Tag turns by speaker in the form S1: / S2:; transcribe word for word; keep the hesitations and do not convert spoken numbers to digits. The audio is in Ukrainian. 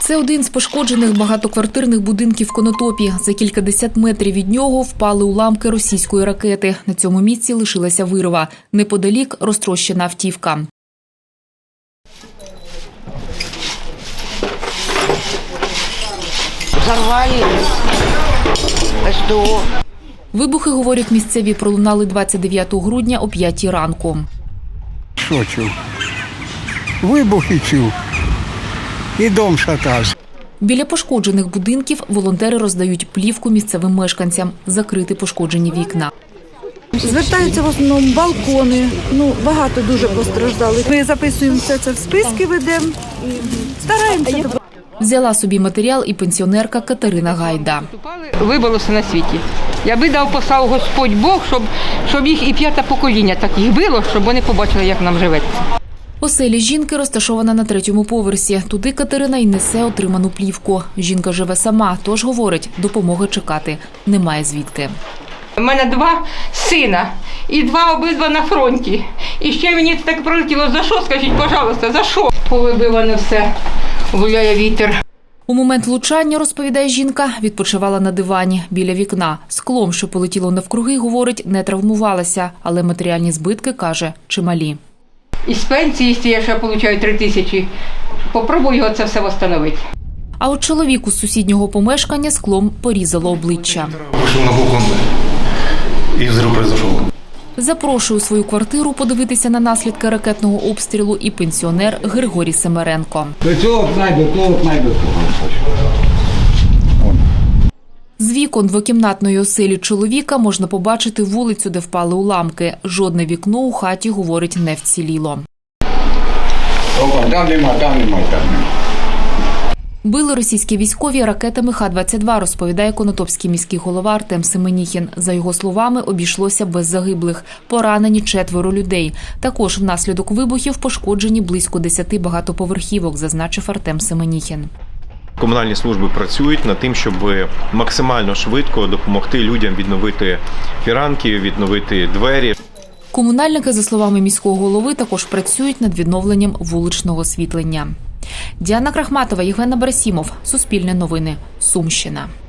S1: Це один з пошкоджених багатоквартирних будинків в Конотопі. За кількадесят метрів від нього впали уламки російської ракети. На цьому місці лишилася вирва. Неподалік розтрощена автівка.
S2: Взорвали СТО.
S1: Вибухи, говорять місцеві, пролунали двадцять дев'ятого грудня о п'ятій ранку.
S3: Що чув? Вибухи чув. І дом шатався.
S1: Біля пошкоджених будинків волонтери роздають плівку місцевим мешканцям, закрити пошкоджені вікна.
S4: Звертаються в основному балкони, ну багато дуже постраждали. Ми записуємо все це в списки, ведемо і стараємося.
S1: Взяла собі матеріал і пенсіонерка Катерина Гайда.
S5: Вибилося на світі. Я би дав послав Господь Бог, щоб, щоб їх і п'яте покоління так їх било, щоб вони побачили, як нам живеться.
S1: Оселя жінки розташована на третьому поверсі. Туди Катерина й несе отриману плівку. Жінка живе сама, тож, говорить, допомоги чекати немає звідки.
S5: У мене два сина і два обидва на фронті. І ще мені так прилетіло, за що, скажіть, пожалуйста, за що? Повибиване все, гуляє вітер.
S1: У момент влучання, розповідає жінка, відпочивала на дивані біля вікна. Склом, що полетіло навкруги, говорить, не травмувалася, але матеріальні збитки, каже, чималі.
S5: Із пенсії, я ще отримую три тисячі, попробую його це все встановити.
S1: А от чоловіку з сусіднього помешкання склом порізало обличчя.
S6: Вышел на балкон, и взрыв произошел.
S1: Запрошує у свою квартиру подивитися на наслідки ракетного обстрілу і пенсіонер Григорій Семеренко.
S3: До цього знайду, того знайду.
S1: З вікон двокімнатної оселі чоловіка можна побачити вулицю, де впали уламки. Жодне вікно у хаті, говорить, не вціліло.
S3: Там нема, там нема, там нема.
S1: Били російські військові ракетами Х двадцять два, розповідає конотопський міський голова Артем Семеніхін. За його словами, обійшлося без загиблих. Поранені четверо людей. Також внаслідок вибухів пошкоджені близько десяти багатоповерхівок, зазначив Артем Семеніхін.
S7: Комунальні служби працюють над тим, щоб максимально швидко допомогти людям відновити фіранки, відновити двері.
S1: Комунальники, за словами міського голови, також працюють над відновленням вуличного освітлення. Діана Крахматова, Євген Абрасімов. Суспільне новини. Сумщина.